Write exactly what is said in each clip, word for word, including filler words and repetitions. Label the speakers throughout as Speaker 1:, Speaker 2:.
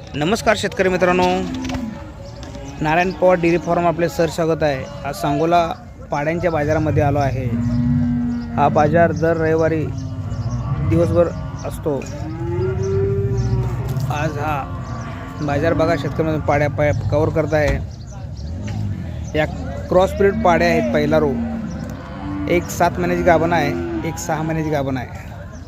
Speaker 1: नमस्कार शेतकरी मित्रांनो, नारायण पवार डेअरी फार्म आपले सर स्वागत आहे। आज सांगोला पाड्यांच्या बाजारामध्ये आलो आहे। हा बाजार दर रविवारी दिवसभर असतो। आज हा बाजार बघा, शेतकरी पाड्या पाय कवर करत आहे। या क्रॉस ब्रीड पाड्या आहेत। पहिला रो एक सात महिन्याची गाभण आहे, एक सहा महिन्याची गाभण आहे।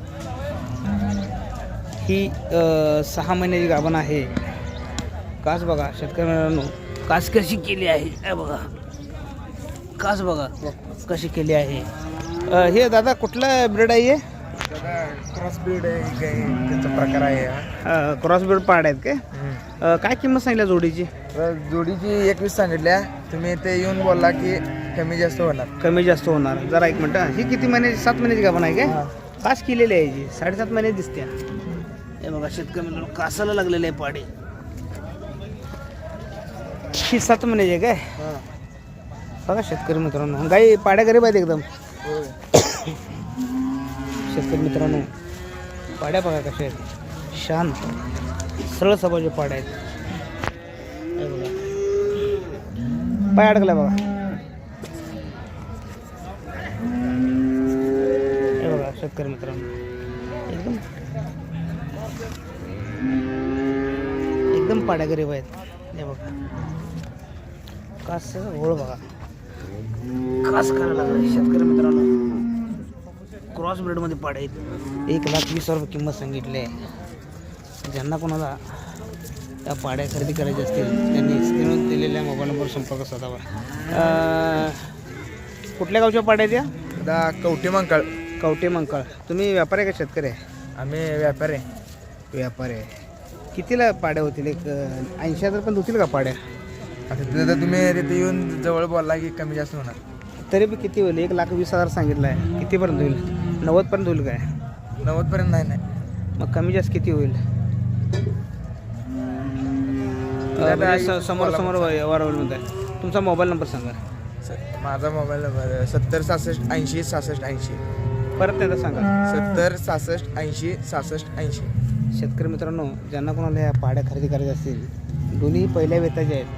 Speaker 1: ही सहा महिन्याची गाभण आहे। कास बघा शेतकरी मित्रांनो, कास कशी केली आहे हे बघा, कास बघा कशी केली आहे। हे दादा कुठला ब्रीड आहे? हे
Speaker 2: क्रॉस ब्रीड आहे, त्याचा प्रकार आहे हा।
Speaker 1: क्रॉस ब्रीड पाड्या आहेत काय? काय किंमत सांगितल्या जोडीची?
Speaker 2: जोडीची एकवीस सांगितल्या, तुम्ही ते येऊन बोलला की कमी जास्त होणार।
Speaker 1: कमी जास्त होणार। जरा एक मिनिट, ही किती महिन्याची? सात महिन्याची गाभण आहे काय? कास केलेली आहे जी, साडेसात महिने दिसते। हे बघा शेतकरी मित्रांनो, कासाला लागलेले आहे पाडे। ही सात महिन्याची आहे काय? बघा शेतकरी मित्रांनो, गाई पाड्या गरीब आहेत एकदम। शेतकरी मित्रांनो, पाड्या बघा कशा आहेत, शांत सरळ स्वभावाचे पाड्या आहेत। हे बघा पाय अडकला बघा। हे बघा शेतकरी मित्रांनो, एकदम एकदम पाड्या गरीब आहेत। हे बघा कास ओळ बघा, कास करायला लागला। शेतकरी मित्रांनो, क्रॉस ब्रीडमध्ये पाड्या आहेत। एक लाख वीस हजार रुपये किंमत सांगितली आहे। ज्यांना कोणाला त्या पाड्या खरेदी करायच्या असतील त्यांनी स्क्रीनवर दिलेल्या मोबाईल नंबरवर संपर्क साधावा। कुठल्या गावच्या पाड्या त्या?
Speaker 2: आता कवटे मंकाळ।
Speaker 1: कवटे मंकाळ। तुम्ही व्यापारी आहे का शेतकरी आहे?
Speaker 2: आम्ही व्यापारी आहे।
Speaker 1: व्यापारी आहे। कितीला पाड्या होतील? एक ऐंशी हजार पण होतील का पाड्या?
Speaker 2: आता तिथं तुम्ही तिथे येऊन जवळ बोलला की कमी जास्त होणार।
Speaker 1: तरी बी किती होईल? एक लाख वीस हजार सांगितलं आहे, कितीपर्यंत होईल? नव्वदपर्यंत होईल काय?
Speaker 2: नव्वदपर्यंत नाही नाही
Speaker 1: मग कमी जास्त किती होईल? म्हणजे समोर समोर व्यवहार होईल म्हणताय। तुमचा मोबाईल नंबर सांगा।
Speaker 2: माझा मोबाईल नंबर सत्तर सहासष्ट ऐंशी सहासष्ट ऐंशी।
Speaker 1: परत एकदा सांगा।
Speaker 2: सत्तर सहासष्ट ऐंशी सहासष्ट ऐंशी।
Speaker 1: शेतकरी मित्रांनो, ज्यांना कोणाला या पाड्या खरेदी करायच्या असतील, दोन्ही पहिल्या वेताच्या आहेत।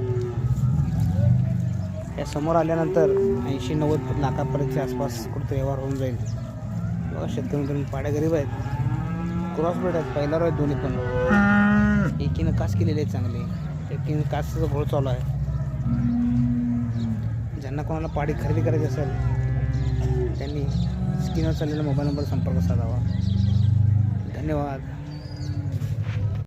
Speaker 1: या समोर आल्यानंतर ऐंशी नव्वद लाखापर्यंतच्या आसपास कुठं व्यवहार होऊन जाईल। बघा शेतकरी मित्रांनो, पाड्या गरीब आहेत, क्रॉस ब्रीड आहेत, पहिला रो आहेत दोन्ही पण। एकीनं कास केलेले आहेत चांगले, एकीनं कासचा घोळ चालू आहे। ज्यांना कोणाला पाडी खरेदी करायची असेल त्यांनी स्क्रीनवर चाललेला मोबाईल नंबर संपर्क साधावा। धन्यवाद।